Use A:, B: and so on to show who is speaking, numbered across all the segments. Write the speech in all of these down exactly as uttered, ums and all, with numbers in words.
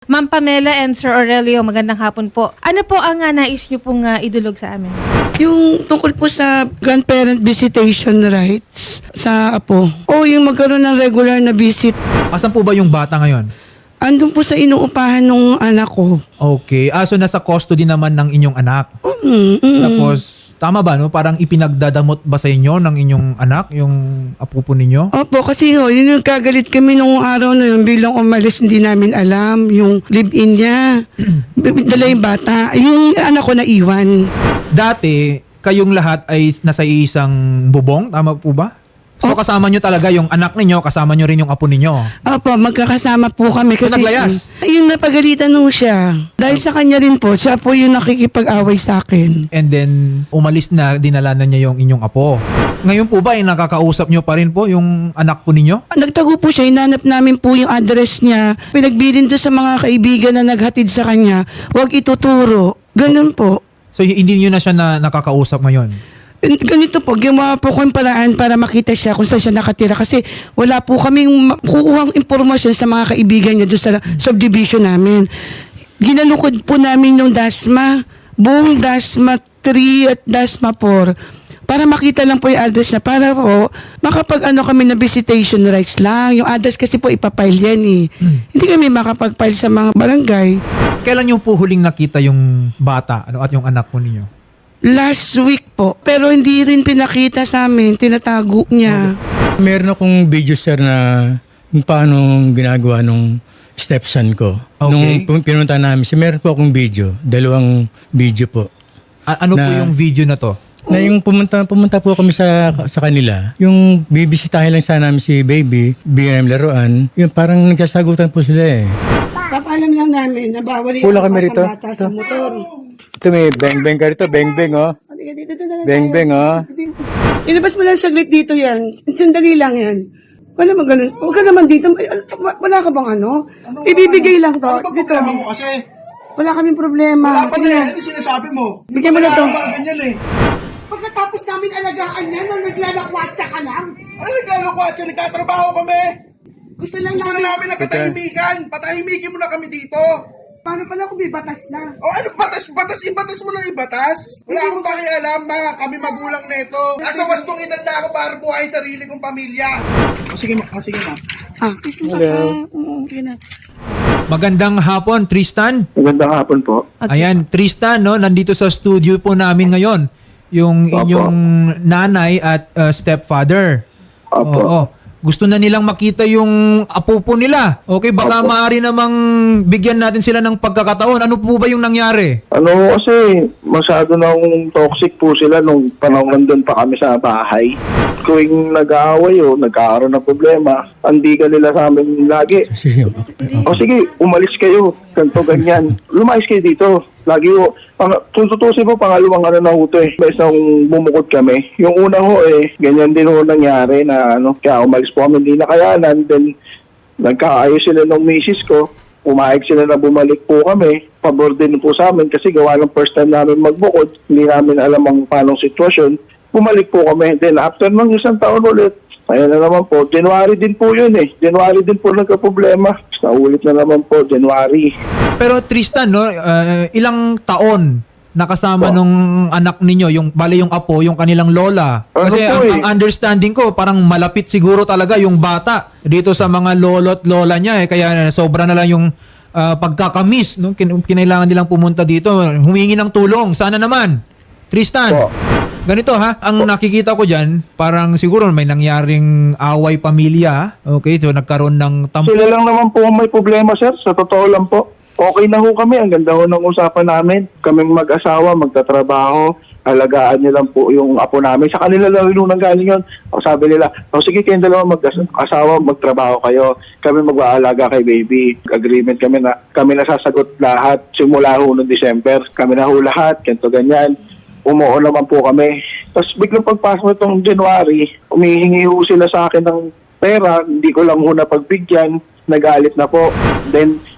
A: Ma'am Pamela and Sir Aurelio, magandang hapon po. Ano po ang uh, nais niyo pong uh, idulog sa amin?
B: Yung tungkol po sa grandparent visitation rights sa apo. O yung magkaroon ng regular na visit.
C: Asan po ba yung bata ngayon?
B: Andun po sa inuupahan ng anak ko.
C: Okay. Ah, so nasa custody naman ng inyong anak.
B: Mm, mm,
C: Tapos, tama ba, no? Parang ipinagdadamot ba sa inyo ng inyong anak, yung apo po ninyo?
B: Opo, kasi no, yun yung kagalit kami nung araw na yun. Bilang umalis, hindi namin alam yung live-in niya. Dala yung bata. Yung anak ko na iwan.
C: Dati, kayong lahat ay nasa isang bubong, tama po ba? So kasama nyo talaga yung anak ninyo, kasama nyo rin yung apo ninyo.
B: Opo, magkakasama po kami kasi
C: naglayas?
B: ayun, napagalitan nung siya. Dahil sa kanya rin po, siya po yung nakikipag-away sa akin.
C: And then, umalis na, dinala na niya yung inyong apo. Ngayon po ba, ay nakakausap nyo pa rin po yung anak po ninyo?
B: Nagtago po siya, hinanap namin po yung address niya. Pinagbilin doon sa mga kaibigan na naghatid sa kanya, huwag ituturo. Ganun po.
C: So, hindi nyo na siya na nakakausap ngayon?
B: Ganito po, gumawa po ko yung paraan para makita siya kung saan siya nakatira kasi wala po kaming kukuhang impormasyon sa mga kaibigan niya doon sa subdivision namin. Ginalukod po namin yung DASMA, buong DASMA three at DASMA four para makita lang po yung address niya para po makapag ano kami na visitation rights lang. Yung address kasi po ipapile yan eh. Hmm. Hindi kami makapag-file sa mga barangay.
C: Kailan nyo po huling nakita yung bata ano, at yung anak po ninyo?
B: Last week po. Pero hindi rin pinakita sa amin. Tinatago niya.
D: Meron akong video, sir, na kung paano ginagawa nung stepson ko.
C: Okay.
D: Nung pun- pinunta namin, si meron po akong video. Dalawang video po.
C: A- ano po
D: Na-
C: yung video na to?
D: Na yung pumunta, pumunta po kami sa sa kanila. Yung bibisitahin lang sana namin si baby, bigyan namin laruan. Yung parang nagkasagutan po sila eh.
B: Papaalam lang namin na bawal yung
D: Pula kami rito.
B: bata sa motor.
D: Ito may beng-beng ka rito, beng-beng oh. Beng-beng oh.
B: Ilabas mo lang saglit dito yan. Sandali lang yan. Wala mo ganun. Huwag ka naman dito. Ay, wala ka bang ano? Ibibigay lang to.
E: Ano ba
B: Dito.
E: problema mo kasi?
B: Wala kaming problema.
E: Wala pa na yan. Ano sinasabi mo?
B: Bigyan mo na to.
E: Wala ka ganyan eh.
B: Pagkatapos namin alagaan yan, nang naglalakwatsa ka lang.
E: Ano nagkano ko at siya? Nagkatrabaho kami.
B: Gusto lang
E: Gusto na
B: namin.
E: namin na katahimikan. Patahimikin mo na kami dito.
B: Paano pala kung may batas na?
E: O ano batas? Batas? Ibatas mo ng ibatas? Wala akong pakialam. Mga kami magulang neto. Nasa wastong edad na ako para buhay sarili kong pamilya. O sige ma. O sige ma.
B: Ah, kiss mo pa ka. Oo, okay na.
C: Magandang hapon, Tristan.
F: Magandang hapon po.
C: Ayan, Tristan, no, nandito sa studio po namin ngayon. Yung
F: Opo.
C: inyong nanay at uh, stepfather.
F: Opo.
C: Oo. Gusto na nilang makita yung apo po nila. Okay, baka
F: Opo.
C: maaari namang bigyan natin sila ng pagkakataon. Ano po ba yung nangyari?
F: Ano kasi masyado nang toxic po sila nung panahon nandun pa kami sa bahay. Tuwing nag-aaway o nagkakaroon ng problema, hindi ka nila sa amin lagi.
D: Sige,
F: O sige, umalis kayo. Ganto ganyan. Lumayas kayo dito. Lagi ho. Pang, kung tutusin po, pangalawang ano na ho to eh. Bes nang bumukod kami. Yung una ho eh, ganyan din ho nangyari na ano. Kaya umalis po kami, hindi nakayanan. Then, nagkaayos sila ng misis ko. Umayag sila na bumalik po kami. Pabor din po sa amin kasi gawa ng first time namin magbukod. Hindi namin alam ang paanong sitwasyon. Bumalik po kami. Then after ng isang taon ulit, ayan na naman po. January din po yun eh. January din po nagka-problema. Naulit na naman po, January.
C: Pero Tristan, no, uh, ilang taon nakasama
F: Po.
C: nung anak ninyo, yung bale yung apo, yung kanilang lola.
F: Ano
C: Kasi
F: po
C: ang,
F: eh?
C: ang understanding ko, parang malapit siguro talaga yung bata dito sa mga lolo at lola niya. Eh. Kaya sobra na lang yung uh, pagkakamis. No? Kin- kinailangan nilang pumunta dito. Humingi ng tulong. Sana naman. Tristan.
F: Po.
C: Ganito ha, ang nakikita ko dyan, parang siguro may nangyaring away pamilya. Okay, so nagkaroon ng tampo.
F: Sila lang naman po ang may problema, sir. Sa totoo lang po. Okay na ho kami. Ang ganda ho ng usapan namin. Kaming mag-asawa, magtatrabaho, alagaan niyo lang po yung apo namin. Sa kanila lang yung nang galing yun. O sabi nila, o sige kayong dalawa mag-asawa, magtrabaho kayo. Kami mag-aalaga kay baby. Agreement kami na kami na sasagot lahat. Simula ho noong December. Kami na ho lahat. Ganito ganyan. Umuo naman po kami. Tapos biglang pagpasok itong January, umihingi ho sila sa akin ng pera. Hindi ko lang ho napagbigyan. Nagalit na po. Then,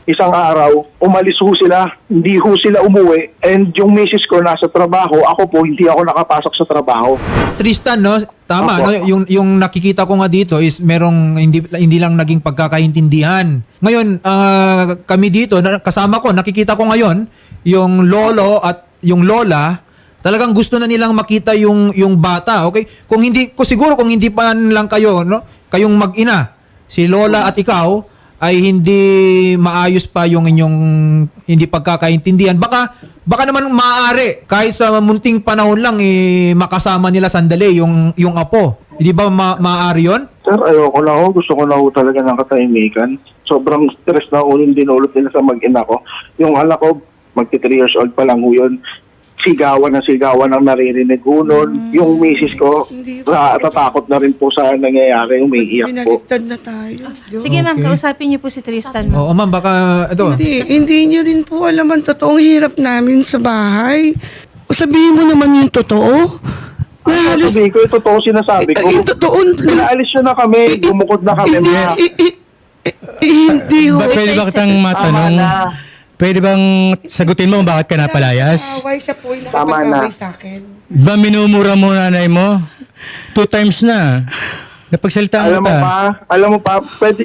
F: isang araw, umalis ho sila, hindi ho sila umuwi, and yung misis ko nasa trabaho, ako po hindi ako nakapasok sa trabaho.
C: Tristan, no? Tama,
F: Opo.
C: no? Yung yung nakikita ko nga dito is merong hindi hindi lang naging pagkakaintindihan. Ngayon, ah, kami dito, na- kasama ko, nakikita ko ngayon yung lolo at yung lola, talagang gusto na nilang makita yung yung bata, okay? Kung hindi ko siguro kung hindi pa lang kayo, no? Kayong mag-ina, si lola at ikaw ay hindi maayos pa yung inyong hindi pagkakaintindihan. Baka baka naman maaari kahit sa munting panahon lang eh, makasama nila sandali yung yung apo. Hindi ba ma- maaari 'yon?
F: Sir, ayoko na ho. Gusto ko na ho talaga ng katahimikan. Sobrang stress na ho yung dinulot nila sa mag-ina ko. Yung anak ko, magti three years old pa lang ho yun. Sigawan na sigawan ang naririnig ho nun. Yung misis ko,
B: Hindi
F: na, tatakot na rin po sa nangyayari. Umiiyak po.
B: Binaligtad na tayo.
A: Sige ma'am,
C: Okay.
A: kausapin niyo po si Tristan, ma'am.
C: Oo, ma'am, baka ito.
B: Hindi, hindi nyo din po alam ang totoong hirap namin sa bahay. Sabihin mo naman yung totoo. Na halos,
F: Sabi ko, yung totoo sinasabi ko.
B: eh, yung totoo,
F: Pinaalis nyo na kami, bumukod na kami.
B: hindi,
F: Ma.
B: eh, eh, eh, hindi ho.
D: Ba, pwede ba kitang matanong? Pwede bang sagutin mo kung bakit ka napalayas?
B: Away siya po yung
F: Tama
B: nakapag-away
F: na.
B: sa akin.
D: Ba minumura mo nanay mo? Two times na. Napagsalitaan
F: Alam
D: mo
F: mo
D: ta.
F: pa, alam mo pa, pwede...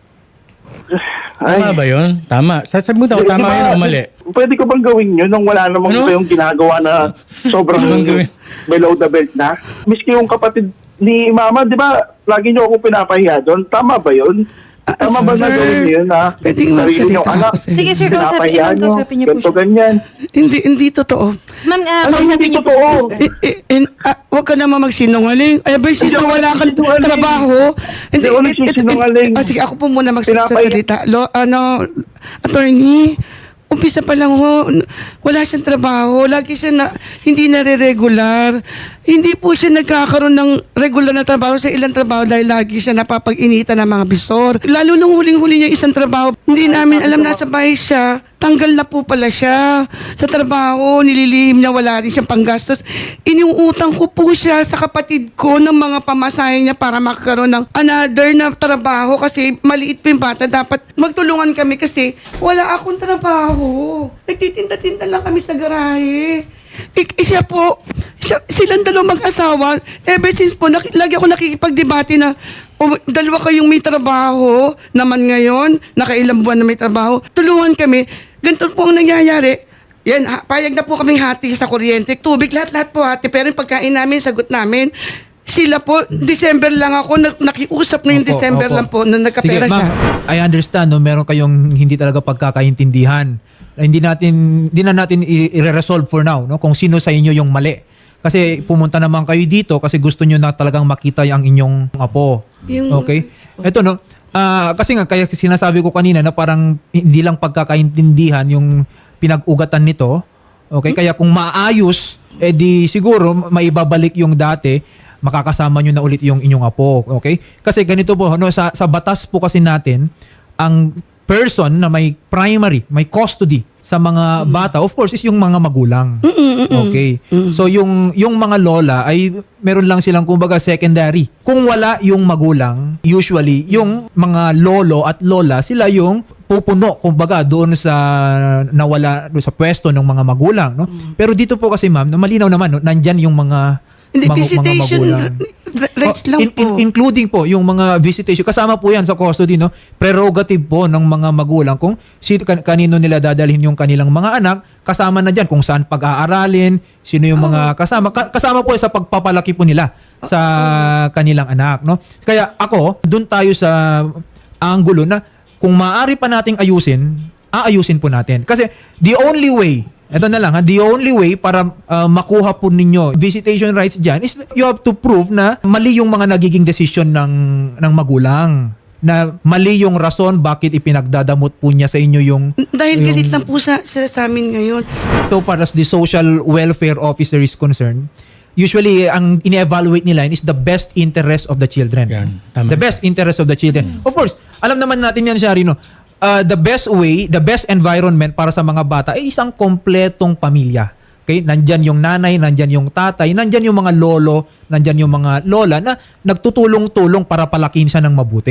D: Tama ba yun? Tama. Sasabi mo daw,
F: Di-
D: tama
F: di ba,
D: yun o mali?
F: Pwede ko bang gawin yun nung wala namang
D: Ano?
F: kayong ginagawa na sobrang
D: Ano bang gawin?
F: below the belt na? Miski yung kapatid ni Mama, di ba, lagi niyo ako pinapahiya doon. Tama ba yun?
B: Ah,
F: Tama ba na
B: sir,
F: gawin niyo yun na
B: pwedeng
F: sarili niyong
B: magsalita
F: anak?
B: ako sa'yo.
A: Sige, sir, kausapin,
F: Pinapahiya
A: ma'am,
F: niyo,
A: kausapin niyo po
F: ganito,
A: siya.
F: ganyan.
B: Hindi, hindi totoo.
A: Ma'am, uh,
F: Ano,
A: kausapin
F: hindi
A: niyo po si
F: totoo?
A: Tristan.
B: Eh, eh, eh, ah, huwag ka naman magsinungaling. Ever since
F: Hindi
B: na
F: ako
B: wala kang
F: nagsisinungaling.
B: trabaho.
F: Hindi ako
B: eh, eh,
F: nagsisinungaling.
B: eh, ah, sige, ako po muna
F: Pinapay-
B: magsasalita. Lo, ano, attorney, umpisa pa lang ho, n- wala siyang trabaho. Lagi siya na, hindi nare-regular. Hindi po siya nagkakaroon ng regular na trabaho sa ilang trabaho dahil lagi siya napapag-initan ng mga bisor. Lalo nung huling-huli niya isang trabaho, hindi namin alam nasa bahay siya. Tanggal na po pala siya sa trabaho, nililihim niya, wala rin siyang panggastos. Iniuutang ko po siya sa kapatid ko ng mga pamasahe niya para makakaroon ng another na trabaho kasi maliit pa yung bata. Dapat magtulungan kami kasi wala akong trabaho. Nagtitinda-tinda lang kami sa garahe. Ik- eh, siya po, siya, silang dalawang mag-asawa, ever since po, naki- lagi ako nakikipagdebate na o, dalawa kayong may trabaho naman ngayon, nakailang buwan na may trabaho, tulungan kami. Ganito po ang nangyayari. Yan, ha, payag na po kaming hati sa kuryente, tubig, lahat-lahat po hati. Pero yung pagkain namin, sagot namin, sila po, December lang ako, nag- nakiusap na yung
C: Opo,
B: December
C: opo.
B: lang po, na nagkapera
C: Sige,
B: siya.
C: ma'am, I understand, no, meron kayong hindi talaga pagkakaintindihan. Na Hindi natin hindi na natin i- i-resolve for now, no, kung sino sa inyo yung mali. Kasi pumunta naman kayo dito kasi gusto nyo na talagang makita ang inyong apo.
B: Yung-
C: Okay? Ito, no, ah, kasi nga kaya sinasabi ko kanina na parang hindi lang pagkakaintindihan yung pinag-ugatan nito. Okay? Kaya kung maayos, eh di siguro maibabalik yung dati, makakasama nyo na ulit yung inyong apo. Okay? Kasi ganito po, no, sa, sa batas po kasi natin, ang person na may primary, may custody sa mga bata, of course, is yung mga magulang. Okay. So yung yung mga lola ay meron lang silang kumbaga secondary. Kung wala yung magulang, usually yung mga lolo at lola, sila yung pupuno kumbaga doon sa nawala doon sa pwesto ng mga magulang, no? Pero dito po kasi ma'am, na malinaw naman, no, nandyan yung mga
B: Hindi,
C: mga,
B: visitation
C: mga magulang.
B: r- rights
C: Oh,
B: lang
C: in-
B: po.
C: in- including po yung mga visitation. Kasama po yan sa custody, no? Prerogative po ng mga magulang kung sino, kan- kanino nila dadalhin yung kanilang mga anak. Kasama na dyan kung saan pag-aaralin, sino yung mga kasama. Ka- kasama po sa pagpapalaki po nila sa kanilang anak, no? Kaya ako, dun tayo sa angulo na kung maaari pa nating ayusin, aayusin po natin. Kasi the only way, ito na lang ha, the only way para uh, makuha po ninyo visitation rights dyan is you have to prove na mali yung mga nagiging desisyon ng, ng magulang. Na mali yung rason bakit ipinagdadamot po niya sa inyo yung...
B: Dahil
C: yung-
B: galit lang po sa, siya sa amin ngayon.
C: So far as the social welfare officer is concerned, usually ang ine-evaluate nila is the best interest of the children.
D: Yan, tama.
C: The best interest of the children. Of course, alam naman natin yan, Shari, no? Uh, the best way, the best environment para sa mga bata ay isang kompletong pamilya. Okay? Nandyan yung nanay, nandyan yung tatay, nandyan yung mga lolo, nandyan yung mga lola na nagtutulong-tulong para palakihin siya ng mabuti.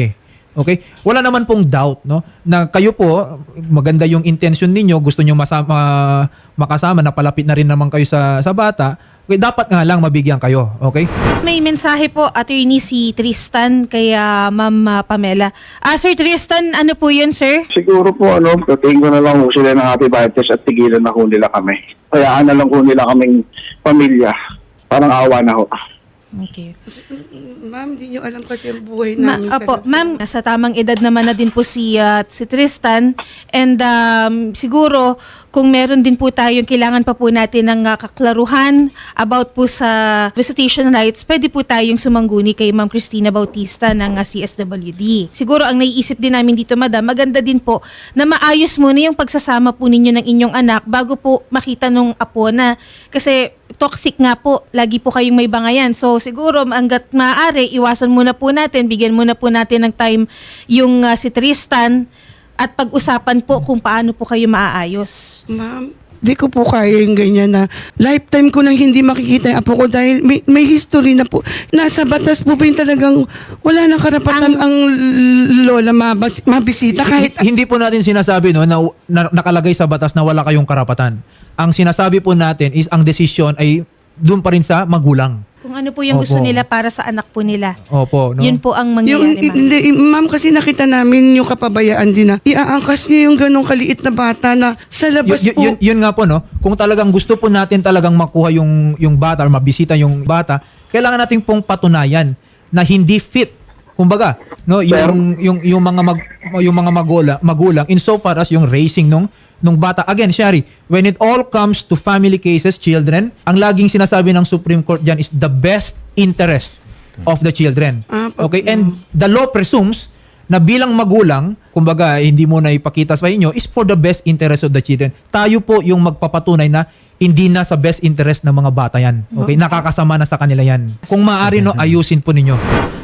C: Okay? Wala naman pong doubt, no, na kayo po, maganda yung intention ninyo, gusto niyo masama, makasama, napalapit na rin naman kayo sa sa bata. Okay, dapat nga lang mabigyan kayo, okay?
A: May mensahe po, attorney, si Tristan kay ah, Ma'am ah, Pamela. Ah, Sir Tristan, ano po yun, sir?
F: Siguro po, ano, tatingin ko na lang ho sila ng happy birthday at tigilan na ho nila kami. Kayaan na lang ho nila kaming pamilya. Parang awa na ho.
A: Okay.
B: Ma'am, hindi nyo alam kasi ang buhay
A: Ma-
B: namin.
A: Opo,
B: talaga.
A: ma'am, nasa tamang edad naman na din po si, ah, si Tristan. And um, siguro, kung meron din po tayong kailangan pa po natin ng ah, kaklaruhan about po sa visitation rights, pwede po tayong sumangguni kay Ma'am Christina Bautista ng ah, C S W D. Siguro, ang naiisip din namin dito, madam, maganda din po na maayos muna yung pagsasama po ninyo ng inyong anak bago po makita nung apo na. Kasi toxic nga po, lagi po kayong may bangayan. So siguro hanggat maaari, iwasan muna po natin, bigyan muna po natin ng time yung uh, si Tristan at pag-usapan po kung paano po kayo maaayos.
B: Ma'am, di ko po kaya yung ganyan na lifetime ko nang hindi makikita yung apo ko dahil may, may history na po. Nasa batas po ba yung talagang wala nang karapatan ang, lola mabas, mabisita kahit...
C: H- hindi po natin sinasabi no na, na nakalagay sa batas na wala kayong karapatan. Ang sinasabi po natin is ang desisyon ay doon pa rin sa magulang.
A: Kung ano po yung
C: Opo.
A: gusto nila para sa anak po nila.
C: Opo, no?
A: Yun po ang
B: Yung,
A: mangyayari, ma'am.
B: hindi, ma'am, kasi nakita namin yung kapabayaan din na iaangkas niyo yung ganong kaliit na bata na sa labas
C: Y- y-
B: po.
C: yun, yun nga po, no? Kung talagang gusto po natin talagang makuha yung, yung bata or mabisita yung bata, kailangan natin pong patunayan na hindi fit. Kumbaga, no, yung yung yung mga mag, yung mga magulang, magulang insofar as yung raising nung nung bata. Again, Shari, when it all comes to family cases, children, ang laging sinasabi ng Supreme Court diyan is the best interest of the children.
B: Ah, pag-
C: Okay? And the law presumes na bilang magulang, kumbaga hindi mo na ipakita sa inyo, is for the best interest of the children. Tayo po yung magpapatunay na hindi na sa best interest ng mga bata yan. Okay? Nakakasama na sa kanila yan. Kung maaari, no, ayusin po ninyo.